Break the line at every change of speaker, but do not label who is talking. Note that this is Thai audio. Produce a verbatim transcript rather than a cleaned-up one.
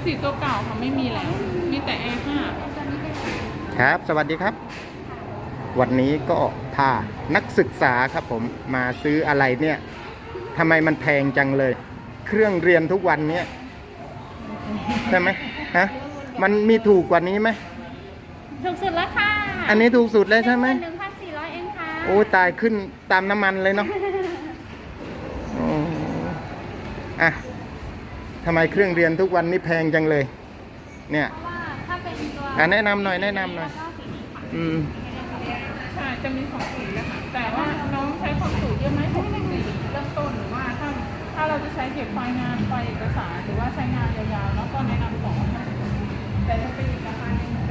สีตัวเก่าค่ะไม่มีแล้วมีแต่ แอร์ ห้า
ครับสวัสดีครับวันนี้ก็พานักศึกษาครับผมมาซื้ออะไรเนี่ยทำไมมันแพงจังเลย เครื่องเรียนทุกวันเนี้ยใช่ไหมฮะมันมีถูกกว่านี้ไหม
ถูกสุดแล้วค่ะ
อันนี้ถูกสุดเลยใช่ไหม
หนึ่งพันสี่ร้อยเองค่ะ
โอ้ตายขึ้นตามน้ำมันเลยเนาะโอ้อะทำไมเครื่องเรียนทุกวันนี้แพงจังเลยเนี่ย
เพราะว่าถ้าเป็นตัว
อ่ะแนะนำหน่อยแนะนำหน่อยอืม
ใช่จะมีสองสีเลยค่ะแต่ว่าน้องใช้ความสูงเยอะไหมหกสิบสี่เริ่มต้นหรือว่าถ้าถ้าเราจะใช้เก็บไฟล์งานไฟล์เอกสารหรือว่าใช้งานยาวๆแล้วก็แนะนำสองแต่ถ้าเป็นอีกราคาหนึ่ง